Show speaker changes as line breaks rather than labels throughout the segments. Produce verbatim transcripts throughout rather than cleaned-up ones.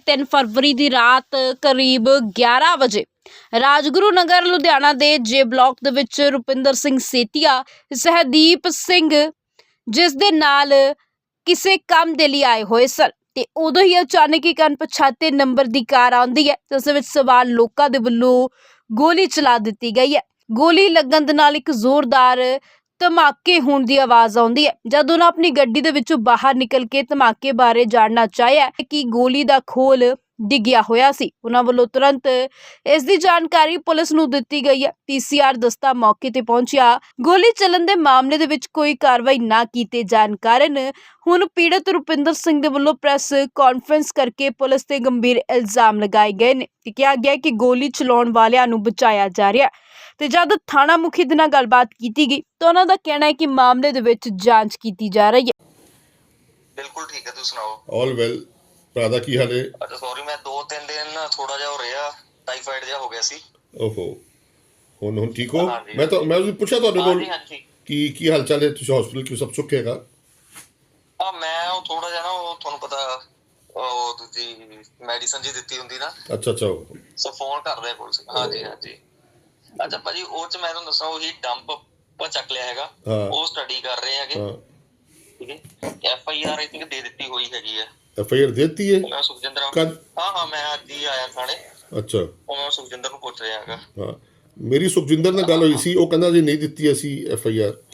ਤਿੰਨ ਫਰਵਰੀ ਦੀ ਰਾਤ ਕਰੀਬ ਗਿਆਰਾਂ ਵਜੇ ਰਾਜਗੁਰੂ ਨਗਰ ਲੁਧਿਆਣਾ ਦੇ ਜੇ ਬਲਾਕ ਦੇ ਵਿੱਚ ਰੁਪਿੰਦਰ ਸਿੰਘ ਸੇਤੀਆ ਸਹਿਦੀਪ ਸਿੰਘ ਜਿਸ ਦੇ ਨਾਲ ਕਿਸੇ ਕੰਮ ਦੇ ਲਈ ਆਏ ਹੋਏ ਸਨ ਤੇ ਉਦੋਂ ਹੀ ਅਚਾਨਕ ਇੱਕ ਅਣਪਛਾਤੇ ਨੰਬਰ ਦੀ ਕਾਰ ਆਉਂਦੀ ਹੈ ਤੇ ਉਸ ਵਿੱਚ ਸਵਾਰ ਲੋਕਾਂ ਦੇ ਵੱਲੋਂ ਗੋਲੀ ਚਲਾ ਦਿੱਤੀ ਗਈ ਹੈ। ਗੋਲੀ ਲੱਗਣ ਦੇ ਨਾਲ ਇੱਕ ਜ਼ੋਰਦਾਰ ਧਮਾਕੇ ਹੋਣ ਦੀ ਆਵਾਜ਼ ਆਉਂਦੀ ਹੈ। ਜਦ ਉਹਨਾਂ ਆਪਣੀ ਗੱਡੀ ਦੇ ਵਿੱਚੋਂ ਬਾਹਰ ਨਿਕਲ ਕੇ ਧਮਾਕੇ ਬਾਰੇ ਜਾਣਨਾ ਚਾਹਿਆ ਕਿ ਗੋਲੀ ਦਾ ਖੋਲ ਡਿੱਗਿਆ ਹੋਇਆ ਸੀ, ਉਹਨਾਂ ਵੱਲੋਂ ਤੁਰੰਤ ਇਸ ਦੀ ਜਾਣਕਾਰੀ ਪੁਲਿਸ ਨੂੰ ਦਿੱਤੀ ਗਈ ਹੈ। ਪੀਸੀਆਰ ਦਸਤਾ ਮੌਕੇ ਤੇ ਪਹੁੰਚਿਆ। ਗੋਲੀ ਚੱਲਣ ਦੇ ਮਾਮਲੇ ਦੇ ਵਿੱਚ ਕੋਈ ਕਾਰਵਾਈ ਨਾ ਕੀਤੇ ਜਾਣ ਕਾਰਨ ਹੁਣ ਪੀੜਤ ਰੁਪਿੰਦਰ ਸਿੰਘ ਦੇ ਵੱਲੋਂ ਪ੍ਰੈਸ ਕਾਨਫਰੰਸ ਕਰਕੇ ਪੁਲਿਸ ਤੇ ਗੰਭੀਰ ਇਲਜ਼ਾਮ ਲਗਾਏ ਗਏ ਨੇ ਤੇ ਕਿਹਾ ਗਿਆ ਕਿ ਗੋਲੀ ਚਲਾਉਣ ਵਾਲਿਆਂ ਨੂੰ ਬਚਾਇਆ ਜਾ ਰਿਹਾ ਤੇ ਜਦ ਥਾਣਾ ਮੁਖੀ ਦੇ ਨਾਲ ਗੱਲਬਾਤ ਕੀਤੀ ਗਈ ਤਾਂ ਉਹਨਾਂ ਦਾ ਕਹਿਣਾ ਹੈ ਕਿ ਮਾਮਲੇ ਦੇ ਵਿੱਚ ਜਾਂਚ ਕੀਤੀ ਜਾ ਰਹੀ ਹੈ।
ਬਿਲਕੁਲ ਠੀਕ ਹੈ, ਤੁਸੀਂ ਸੁਣਾਓ?
All well. ਭਰਾ ਦਾ ਕੀ ਹਾਲ ਹੈ?
ਅੱਛਾ ਸੌਰੀ, ਮੈਂ ਦੋ ਤਿੰਨ ਦਿਨ ਥੋੜਾ ਜਿਹਾ ਹੋ ਰਿਹਾ ਟਾਈਫਾਇਡ ਜਿਹਾ ਹੋ ਗਿਆ ਸੀ।
ਓਹੋ, ਹੁਣ ਹੁਣ ਠੀਕ ਹੋ? ਮੈਂ ਤਾਂ ਮੈਂ ਵੀ ਪੁੱਛਿਆ ਤੁਹਾਡੇ ਕੋਲ ਕੀ ਕੀ ਹਾਲ ਚਾਲ ਹੈ, ਤੁਸੀਂ ਹਸਪੀਟਲ ਕਿਉਂ ਸਭ ਸੁੱਖ ਹੈਗਾ?
ਆ ਮੈਂ ਉਹ ਥੋੜਾ ਜਿਹਾ ਨਾ ਉਹ ਤੁਹਾਨੂੰ ਪਤਾ ਉਹ ਦੂਜੀ ਮੈਡੀਸਨ ਜੀ ਦਿੱਤੀ ਹੁੰਦੀ ਨਾ।
ਅੱਛਾ ਅੱਛਾ,
ਸੋ ਫੋਨ ਕਰ ਰਿਹਾ ਪੁਲਿਸ। ਹਾਂਜੀ ਹਾਂਜੀ। ਅੱਛਾ ਭਾਜੀ, ਉਹ ਚ ਮੈਂ ਤੁਹਾਨੂੰ ਦੱਸਾਂ ਉਹੀ ਡੰਪ ਪਾ ਚੱਕ ਲਿਆ ਹੈਗਾ, ਉਹ ਸਟੱਡੀ ਕਰ ਰਹੇ ਹੈਗੇ। ਠੀਕ ਹੈ, F I R I think ਦੇ ਦਿੱਤੀ ਹੋਈ ਹੈਗੀ ਹੈ।
ਐਫ ਆਈ ਆਰ ਦੇ ਦਿੱਤੀ ਹੈ?
ਮੈਂ ਸੁਖਜਿੰਦਰ ਹਾਂ ਹਾਂ ਮੈਂ ਅੱਜ ਹੀ ਆਇਆ ਥਾਣੇ। ਅੱਛਾ, ਉਹ ਮੈਂ ਸੁਖਜਿੰਦਰ ਨੂੰ ਪੁੱਛ ਰਿਹਾ ਹੈਗਾ।
ਹਾਂ, ਮੇਰੀ ਸੁਖਜਿੰਦਰ ਨਾਲ ਗੱਲ ਹੋਈ ਸੀ, ਉਹ ਕਹਿੰਦਾ ਜੀ ਨਹੀਂ ਦਿੱਤੀ ਅਸੀਂ ਐਫ ਆਈ ਆਰ।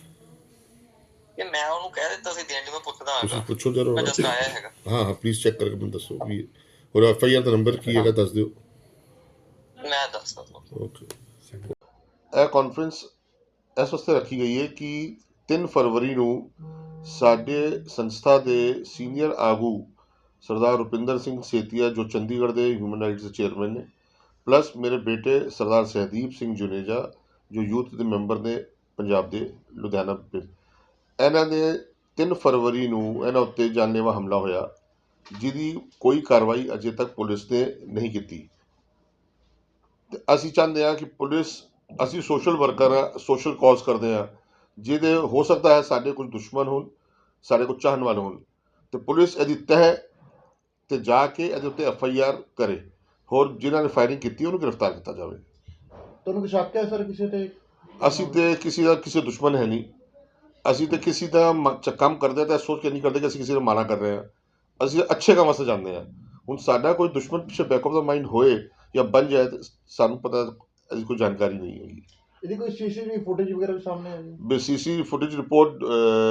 ਇਹ ਮੈਂ ਉਹਨੂੰ ਕਹਿ ਦਿੱਤਾ ਸੀ ਦੇਣ ਲਈ, ਮੈਂ ਪੁੱਛਦਾ ਹਾਂ।
ਤੁਸੀਂ ਪੁੱਛੋ ਜਰਾ।
ਮੈਂ ਜਸਟ ਆਇਆ ਹੈਗਾ।
ਹਾਂ ਹਾਂ, ਪਲੀਜ਼ ਚੈੱਕ ਕਰਕੇ ਮੈਨੂੰ ਦੱਸੋ ਵੀ ਹੋਰ ਐਫ ਆਈ ਆਰ ਦਾ ਨੰਬਰ ਕੀ ਹੈਗਾ, ਦੱਸ ਦਿਓ।
ਮੈਂ ਦੱਸਦਾ।
ਓਕੇ। ਇਹ ਕਾਨਫਰੰਸ ਇਸ ਵਾਸਤੇ ਰੱਖੀ ਗਈ ਹੈ ਕਿ ਤਿੰਨ ਫਰਵਰੀ ਨੂੰ ਸਾਡੇ ਸੰਸਥਾ ਦੇ ਸੀਨੀਅਰ ਆਗੂ ਸਰਦਾਰ ਰੁਪਿੰਦਰ ਸਿੰਘ ਸੇਤੀਆ ਜੋ ਚੰਡੀਗੜ੍ਹ ਦੇ ਹਿਊਮਨ ਰਾਈਟਸ ਦੇ ਚੇਅਰਮੈਨ ਨੇ, ਪਲੱਸ ਮੇਰੇ ਬੇਟੇ ਸਰਦਾਰ ਸਹਿਦੀਪ ਸਿੰਘ ਜੁਨੇਜਾ ਜੋ ਯੂਥ ਦੇ ਮੈਂਬਰ ਨੇ ਪੰਜਾਬ ਦੇ ਲੁਧਿਆਣਾ ਪਿੰਡ, ਇਹਨਾਂ ਦੇ ਤਿੰਨ ਫਰਵਰੀ ਨੂੰ ਇਹਨਾਂ ਉੱਤੇ ਜਾਨਲੇਵਾ ਹਮਲਾ ਹੋਇਆ ਜਿਹਦੀ ਕੋਈ ਕਾਰਵਾਈ ਅਜੇ ਤੱਕ ਪੁਲਿਸ ਨੇ ਨਹੀਂ ਕੀਤੀ। ਤੇ ਅਸੀਂ ਚਾਹੁੰਦੇ ਹਾਂ ਕਿ ਪੁਲਿਸ, ਅਸੀਂ ਸੋਸ਼ਲ ਵਰਕਰ ਹਾਂ, ਸੋਸ਼ਲ ਕਾਜ਼ ਕਰਦੇ ਹਾਂ, ਜਿਹਦੇ ਹੋ ਸਕਦਾ ਹੈ ਸਾਡੇ ਕੁਝ ਦੁਸ਼ਮਣ ਹੋਣ, ਸਾਡੇ ਕੁਝ ਚਾਹਣ ਵਾਲੇ ਹੋਣ, ਤੇ ਪੁਲਿਸ ਇਹਦੀ ਤਹਿ ਤੇ ਜਾ ਕੇ ਇਹਦੇ ਉੱਤੇ ਐਫ ਆਈ ਆਰ ਕਰੇ, ਹੋਰ ਜਿਨ੍ਹਾਂ ਨੇ ਫਾਇਰਿੰਗ ਕੀਤੀ ਉਹਨੂੰ ਗ੍ਰਿਫਤਾਰ ਕੀਤਾ ਜਾਵੇ।
ਤੁਹਾਨੂੰ ਕੋਈ ਸ਼ੱਕ ਹੈ ਸਰ ਕਿਸੇ ਤੇ?
ਅਸੀਂ ਤੇ ਕਿਸੇ ਦਾ ਕਿਸੇ ਦੁਸ਼ਮਣ ਹੈ ਨਹੀਂ, ਅਸੀਂ ਤੇ ਕਿਸੇ ਦਾ ਕੰਮ ਕਰਦੇ ਤਾਂ ਸੋਚ ਕੇ ਨਹੀਂ ਕਰਦੇ ਕਿ ਅਸੀਂ ਕਿਸੇ ਨੂੰ ਮਾੜਾ ਕਰ ਰਹੇ ਹਾਂ, ਅਸੀਂ ਅੱਛੇ ਕੰਮ ਵਾਸਤੇ ਜਾਂਦੇ ਹਾਂ। ਹੁਣ ਸਾਡਾ ਕੋਈ ਦੁਸ਼ਮਣ ਪਿੱਛੇ ਬੈਕ ਆਫ ਦਾ ਮਾਈਂਡ ਹੋਏ ਜਾਂ ਬਣ ਜਾਏ ਤਾਂ ਸਾਨੂੰ ਪਤਾ, ਇਹਦੀ ਕੋਈ ਜਾਣਕਾਰੀ ਨਹੀਂ ਹੈਗੀ।
ਇਹਦੀ ਕੋਈ ਸੀਸੀਟੀਵੀ ਫੁਟੇਜ ਵਗੈਰਾ ਵੀ ਸਾਹਮਣੇ ਆਈ ਹੈ?
ਸੀਸੀ ਫੁਟੇਜ ਰਿਪੋਰਟ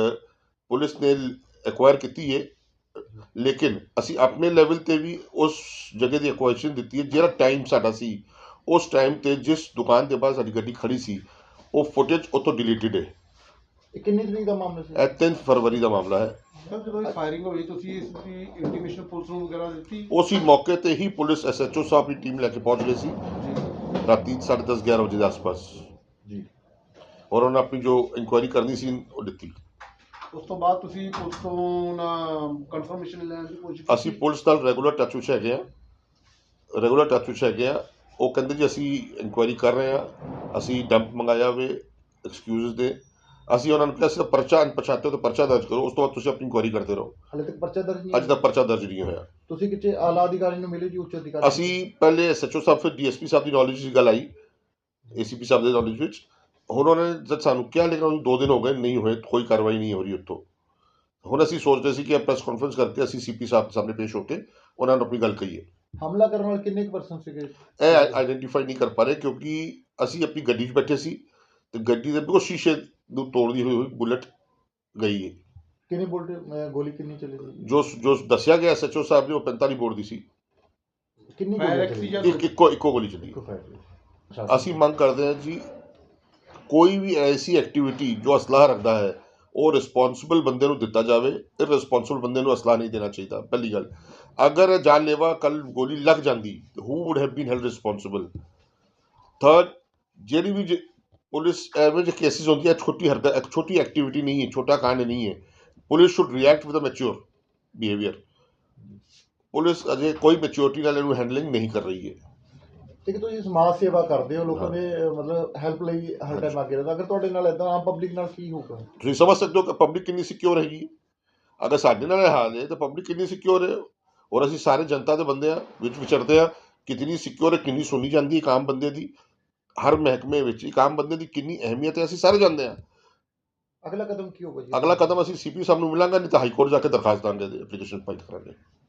ਪੁਲਿਸ ਨੇ ਐਕਵਾਇਰ ਕੀਤੀ ਹੈ, ਲੇਕਿਨ ਅਸੀਂ ਆਪਣੇ ਲੈਵਲ 'ਤੇ ਵੀ ਉਸ ਜਗ੍ਹਾ ਦੀ ਐਕੁਆਇਸ਼ਨ ਦਿੱਤੀ ਹੈ। ਜਿਹੜਾ ਟਾਈਮ ਸਾਡਾ ਸੀ ਉਸ ਟਾਈਮ 'ਤੇ ਜਿਸ ਦੁਕਾਨ ਦੇ ਬਾਹਰ ਸਾਡੀ ਗੱਡੀ ਖੜੀ ਸੀ ਉਹ ਫੁਟੇਜ ਉੱਥੋਂ ਡਿਲੀਟਡ ਹੈ।
ਇਹ ਕਿੰਨੀ ਤਰੀਕ ਦਾ ਮਾਮਲਾ ਸੀ?
ਇਹ ਤਿੰਨ ਫਰਵਰੀ ਦਾ ਮਾਮਲਾ ਹੈ।
ਸਰ ਜਦੋਂ ਇਹ ਫਾਇਰਿੰਗ ਹੋਈ ਤੁਸੀਂ ਇਸ ਦੀ ਇੰਟੀਮੇਸ਼ਨ ਪੁਲਿਸ ਨੂੰ ਵਗੈਰਾ ਦਿੱਤੀ?
ਉਸੇ ਮੌਕੇ 'ਤੇ ਹੀ ਪੁਲਿਸ ਐਸ ਐਚ ਓ ਸਾਹਿਬ ਆਪਣੀ ਟੀਮ ਲੈ ਕੇ ਪਹੁੰਚ ਗਏ ਸੀ ਰਾਤੀ ਸਾਢੇ ਦਸ ਗਿਆਰਾਂ ਵਜੇ ਦੇ ਆਸ-ਪਾਸ
ਜੀ,
ਔਰ ਉਹਨਾਂ ਆਪਣੀ ਜੋ ਇਨਕੁਆਇਰੀ ਕਰਨੀ ਸੀ ਉਹ ਦਿੱਤੀ।
ਉਸ ਤੋਂ ਬਾਅਦ ਤੁਸੀਂ ਪੁਲਿਸ ਤੋਂ ਨਾ ਕਨਫਰਮੇਸ਼ਨ ਲੈਣ ਦੀ ਕੋਸ਼ਿਸ਼ ਕੀਤੀ?
ਅਸੀਂ ਪੁਲਿਸ ਨਾਲ ਰੈਗੂਲਰ ਟੱਚ ਵਿੱਚ ਹੈਗੇ ਹਾਂ, ਰੈਗੂਲਰ ਟੱਚ ਵਿੱਚ ਹੈਗੇ ਹਾਂ। ਉਹ ਕਹਿੰਦੇ ਜੀ ਅਸੀਂ ਇਨਕੁਆਇਰੀ ਕਰ ਰਹੇ ਹਾਂ, ਅਸੀਂ ਡੰਪ ਮੰਗਾਇਆ ਵੇ ਐਕਸਕਿਊਜ਼ ਦੇ। ਅਸੀਂ ਉਹਨਾਂ ਨੂੰ ਕਿਹਾ ਸੀ ਪਰਚਾ ਅਣਪਛਾਤੇ ਤੋਂ ਪਰਚਾ ਦਰਜ ਕਰੋ, ਉਸ ਤੋਂ ਬਾਅਦ ਤੁਸੀਂ ਆਪਣੀ ਇਨਕੁਆਇਰੀ ਕਰਦੇ ਰਹੋ।
ਹਾਲੇ ਤੱਕ ਪਰਚਾ ਦਰਜ ਨਹੀਂ?
ਅੱਜ ਤੱਕ ਪਰਚਾ ਦਰਜ ਨਹੀਂ ਹੋਇਆ।
ਤੁਸੀਂ ਕਿਤੇ ਆਲਾ ਅਧਿਕਾਰੀ ਨੂੰ ਮਿਲੇ ਜੀ, ਉੱਚ ਅਧਿਕਾਰੀ?
ਅਸੀਂ ਪਹਿਲੇ ਐਸ ਐਚ ਓ ਸਾਹਿਬ, ਫਿਰ ਡੀ ਐਸ ਪੀ ਸਾਹਿਬ ਦੀ ਨੌਲੇਜ 'ਚ ਗੱਲ ਆਈ, ਏ ਸੀ ਪੀ ਸਾਹਿਬ ਦੇ ਨੌਲੇਜ ਵਿੱਚ। ਹੁਣ ਉਹਨਾਂ ਨੇ ਜਦ ਸਾਨੂੰ ਕਿਹਾ, ਲੇਕਿਨ ਉਹਨੂੰ ਦੋ ਦਿਨ ਹੋ ਗਏ ਨਹੀਂ ਹੋਏ, ਕੋਈ ਕਾਰਵਾਈ ਨਹੀਂ ਹੋ ਰਹੀ ਉੱਥੋਂ। ਹੁਣ ਅਸੀਂ ਸੋਚਦੇ ਸੀ ਕਿ ਪ੍ਰੈਸ ਕਾਨਫਰੰਸ ਕਰਕੇ ਅਸੀਂ ਸੀ ਪੀ ਸਾਹਿਬ ਸਾਹਮਣੇ ਪੇਸ਼ ਹੋ ਕੇ ਉਹਨਾਂ ਨੂੰ ਆਪਣੀ ਗੱਲ ਕਹੀਏ।
ਹਮਲਾ ਕਰਨ ਵਾਲੇ ਕਿੰਨੇ ਕੁ ਪਰਸਨ ਸੀਗੇ?
ਇਹ ਆਈਡੈਂਟੀਫਾਈ ਨਹੀਂ ਕਰ ਪਾ ਰਹੇ ਕਿਉਂਕਿ ਅਸੀਂ ਆਪਣੀ ਗੱਡੀ 'ਚ ਬੈਠੇ ਸੀ ਤੇ ਗੱਡੀ ਦੇ ਬਿਲਕੁਲ ਸ਼ੀਸ਼ੇ ਨੂੰ ਤੋੜਦੀ ਹੋਈ ਹੋਈ ਬੁਲਟ ਗਈ ਹੈ।
ਕਿੰਨੀ ਬੁਲਟ ਗੋਲੀ ਕਿੰਨੀ ਚੱਲੀ ਸੀ?
ਜੋ ਜੋ ਦੱਸਿਆ ਗਿਆ ਐਸ ਐਚ ਓ ਸਾਹਿਬ ਨੇ ਉਹ ਪੈਂਤਾਲੀ ਬੋਰ ਦੀ ਸੀ।
ਕਿੰਨੀ ਗੋਲੀ?
ਇੱਕ ਇੱਕੋ ਇੱਕੋ ਗੋਲੀ ਚੱਲੀ। ਅਸੀਂ ਮੰਗ ਕਰਦੇ ਹਾਂ ਜੀ, ਕੋਈ ਵੀ ਐਸੀ ਐਕਟੀਵਿਟੀ ਜੋ ਅਸਲਾਹ ਰੱਖਦਾ ਹੈ ਉਹ ਰਿਸਪੌਂਸਿਬਲ ਬੰਦੇ ਨੂੰ ਦਿੱਤਾ ਜਾਵੇ, ਇਰਰਿਸਪੌਂਸਿਬਲ ਬੰਦੇ ਨੂੰ ਅਸਲਾਹ ਨਹੀਂ ਦੇਣਾ ਚਾਹੀਦਾ। ਪਹਿਲੀ ਗੱਲ, ਅਗਰ ਜਾਨਲੇਵਾ ਕੱਲ ਗੋਲੀ ਲੱਗ ਜਾਂਦੀ who would have been held responsible. Third, ਜਿਹੜੀ ਵੀ ਪੁਲਿਸ ਐਵੇਂ ਜਿਹੇ ਕੇਸਿਸ ਹੁੰਦੀ ਹੈ, ਛੋਟੀ ਹਰਕਤ, ਛੋਟੀ ਐਕਟੀਵਿਟੀ ਨਹੀਂ ਹੈ, ਛੋਟਾ ਕਾਂਡ ਨਹੀਂ ਹੈ, police should react with a mature behaviour. Police ਅਜੇ ਕੋਈ ਮੈਚਿਓਰਿਟੀ ਨਾਲ ਇਹਨੂੰ ਹੈਂਡਲਿੰਗ ਨਹੀਂ ਕਰ ਰਹੀ ਹੈ।
ਕਿ ਤੁਸੀਂ ਸਮਾਜ ਸੇਵਾ ਕਰਦੇ ਹੋ, ਲੋਕਾਂ ਦੇ ਮਤਲਬ ਹੈਲਪ ਲਈ ਹਰ ਟਾਈਮ ਅੱਗੇ ਰਹਿੰਦਾ, ਅਗਰ ਤੁਹਾਡੇ ਨਾਲ ਇੱਦਾਂ ਆਮ ਪਬਲਿਕ ਨਾਲ ਕੀ ਹੋਊਗਾ?
ਤੁਸੀਂ ਸਮਝ ਸਕਦੇ ਹੋ ਕਿ ਪਬਲਿਕ ਕਿੰਨੀ ਸਿਕਿਉਰ ਹੈਗੀ। ਅਗਰ ਸਾਡੇ ਨਾਲ ਇਹ ਹਾਲ ਹੈ ਤਾਂ ਪਬਲਿਕ ਕਿੰਨੀ ਸਿਕਿਉਰ ਹੈ। ਔਰ ਅਸੀਂ ਸਾਰੇ ਜਨਤਾ ਦੇ ਬੰਦੇ ਆ ਵਿੱਚ ਵਿਚਰਦੇ ਆ ਕਿਤਨੀ ਸਿਕਿਉਰ ਕਿੰਨੀ ਸੁਣੀ ਜਾਂਦੀ ਇੱਕ ਆਮ ਬੰਦੇ ਦੀ ਹਰ ਮਹਿਕਮੇ ਵਿੱਚ ਇੱਕ ਆਮ ਬੰਦੇ ਦੀ ਕਿੰਨੀ ਅਹਿਮੀਅਤ ਹੈ ਅਸੀਂ ਸਾਰੇ ਜਾਣਦੇ ਆ।
ਅਗਲਾ ਕਦਮ ਕੀ ਹੋਗਾ ਜੀ?
ਅਗਲਾ ਕਦਮ ਅਸੀਂ ਸੀਪੀ ਸਾਹਿਬ ਨੂੰ ਮਿਲਾਂਗੇ, ਨਹੀਂ ਤਾਂ ਹਾਈ ਕੋਰਟ ਜਾ ਕੇ ਦਰਖਾਸਤ ਦਾਂਗੇ, ਐਪਲੀਕੇਸ਼ਨ ਫਾਈਲ ਕਰਾਂਗੇ।